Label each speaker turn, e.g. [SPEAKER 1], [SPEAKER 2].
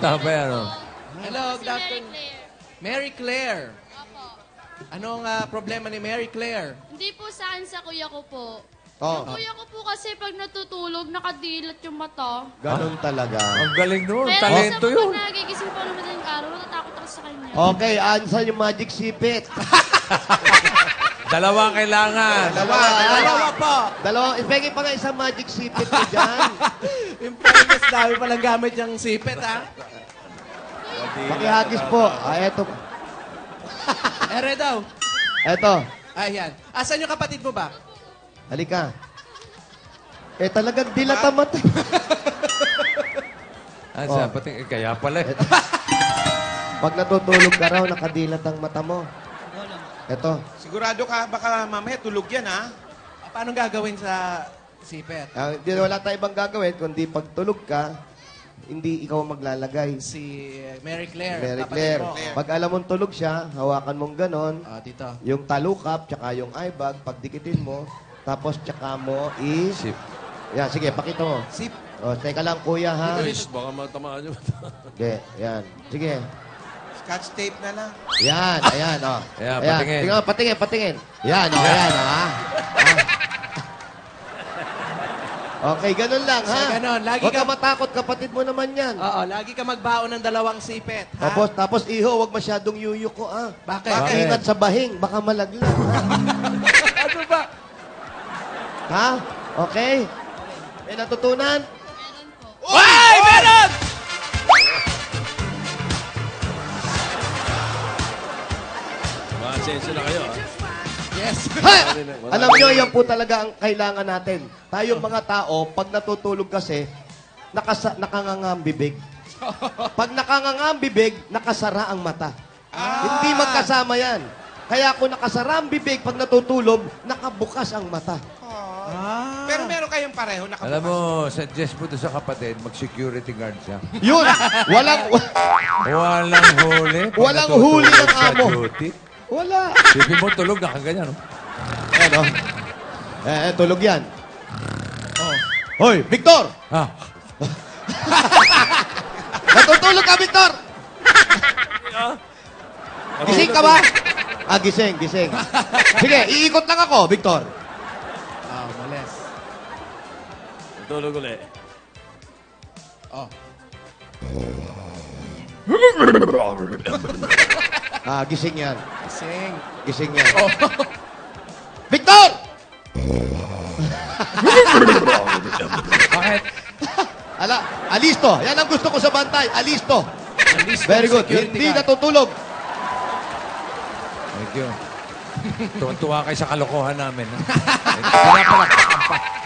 [SPEAKER 1] Tama yan, ano?
[SPEAKER 2] Hello, good afternoon. Mary Claire.
[SPEAKER 3] Opo.
[SPEAKER 2] Anong problema ni Mary Claire?
[SPEAKER 3] Hindi po sa akin, sa kuya ko po.
[SPEAKER 4] Oh,
[SPEAKER 3] Yung kuya ko po kasi pag natutulog, nakadilat yung mata.
[SPEAKER 4] ganun talaga.
[SPEAKER 1] Ang galing nun.
[SPEAKER 3] Pero
[SPEAKER 1] Talento
[SPEAKER 3] sa
[SPEAKER 1] yun.
[SPEAKER 3] pag nagigising po naman ng araw, natatakot ako sa kanya.
[SPEAKER 4] Okay, ansan yung magic sipit?
[SPEAKER 1] Dalawa kailangan.
[SPEAKER 2] Dalawa po.
[SPEAKER 4] Dalawa, ipegin pa nga isang magic sipit ko dyan.
[SPEAKER 2] Yung fairness, dami palang gamit yung sipet, ha?
[SPEAKER 4] Pakihagis po. Eto.
[SPEAKER 2] Ere daw.
[SPEAKER 4] Eto.
[SPEAKER 2] Ayan. Asan yung kapatid mo ba?
[SPEAKER 4] Halika. Talagang dilata mata.
[SPEAKER 1] Asa, pati, kaya pala.
[SPEAKER 4] Pag natutulog ka raw, nakadilat ang mata mo. Eto.
[SPEAKER 5] Sigurado ka, baka mamaya tulog yan, ha?
[SPEAKER 2] Paano gagawin sa sipet?
[SPEAKER 4] Wala tayong ibang gagawin, kundi pag tulog ka, hindi ikaw maglalagay.
[SPEAKER 2] Si Mary Claire.
[SPEAKER 4] Mary
[SPEAKER 2] kapatid
[SPEAKER 4] Claire.
[SPEAKER 2] mo.
[SPEAKER 4] Pag alam mong tulog siya, hawakan mong ganon.
[SPEAKER 2] Dito.
[SPEAKER 4] Yung talukap, tsaka yung eye bag, pagdikitin mo, tapos tsaka mo
[SPEAKER 1] Sip.
[SPEAKER 4] Yan, sige, pakita mo.
[SPEAKER 2] Sip.
[SPEAKER 4] Teka lang, kuya, ha?
[SPEAKER 1] Baka matamaan yun.
[SPEAKER 4] Sige, yan. Sige.
[SPEAKER 5] Scotch tape na lang.
[SPEAKER 4] Yan, ayan, o.
[SPEAKER 1] Ayan, patingin.
[SPEAKER 4] Tingnan, patingin. Yan, o, ayan, o, ha? Okay, ganun lang, ha?
[SPEAKER 2] So, ganun. Lagi
[SPEAKER 4] Huwag ka
[SPEAKER 2] ka-
[SPEAKER 4] matakot, kapatid mo naman yan.
[SPEAKER 2] Oo, lagi ka magbaon ng dalawang sipet, ha?
[SPEAKER 4] Tapos, iho, huwag masyadong yuyuko, ha?
[SPEAKER 2] Bakit?
[SPEAKER 4] Ingat sa bahing, baka malaglag, ha?
[SPEAKER 2] Ano ba?
[SPEAKER 4] Ha? Okay? May natutunan?
[SPEAKER 3] Meron po.
[SPEAKER 2] Ay, meron!
[SPEAKER 1] Masensya na kayo, ha?
[SPEAKER 2] Yes.
[SPEAKER 4] Ha! Alam nyo, yan po talaga ang kailangan natin. Tayong mga tao, pag natutulog kasi, nakanganga ang bibig. Pag nakanganga ang bibig, nakasara ang mata. Hindi magkasama yan. Kaya kung nakasara ang bibig, pag natutulog, nakabukas ang mata.
[SPEAKER 5] Pero meron kayong pareho nakabukas.
[SPEAKER 1] Alam mo, suggest mo to sa kapatid, mag-security guard siya.
[SPEAKER 4] Yun! Walang
[SPEAKER 1] Walang huli. Pag
[SPEAKER 4] Walang
[SPEAKER 1] natutulog
[SPEAKER 4] huli ng
[SPEAKER 1] sa
[SPEAKER 4] amo.
[SPEAKER 1] duty.
[SPEAKER 4] wala.
[SPEAKER 1] Sipin mo, tulog, nakaganyan, no?
[SPEAKER 4] Ano? Tulog yan. Hoy, Victor!
[SPEAKER 1] Ha?
[SPEAKER 4] Natutulog ka, Victor! Gising ka ba? Gising. Sige, iikot lang ako, Victor.
[SPEAKER 2] Males.
[SPEAKER 1] Tulog ulit.
[SPEAKER 2] Oh.
[SPEAKER 4] Gising yan.
[SPEAKER 2] Sing.
[SPEAKER 4] Gising yan. Victor!
[SPEAKER 1] Bakit?
[SPEAKER 4] Alisto. Yan ang gusto ko sa bantay. Alisto. Very good.
[SPEAKER 2] Security
[SPEAKER 4] Hindi
[SPEAKER 2] guard.
[SPEAKER 4] natutulog.
[SPEAKER 1] Thank you. Tuwan-tuwa kayo sa kalokohan namin. Ha? Kaya pala,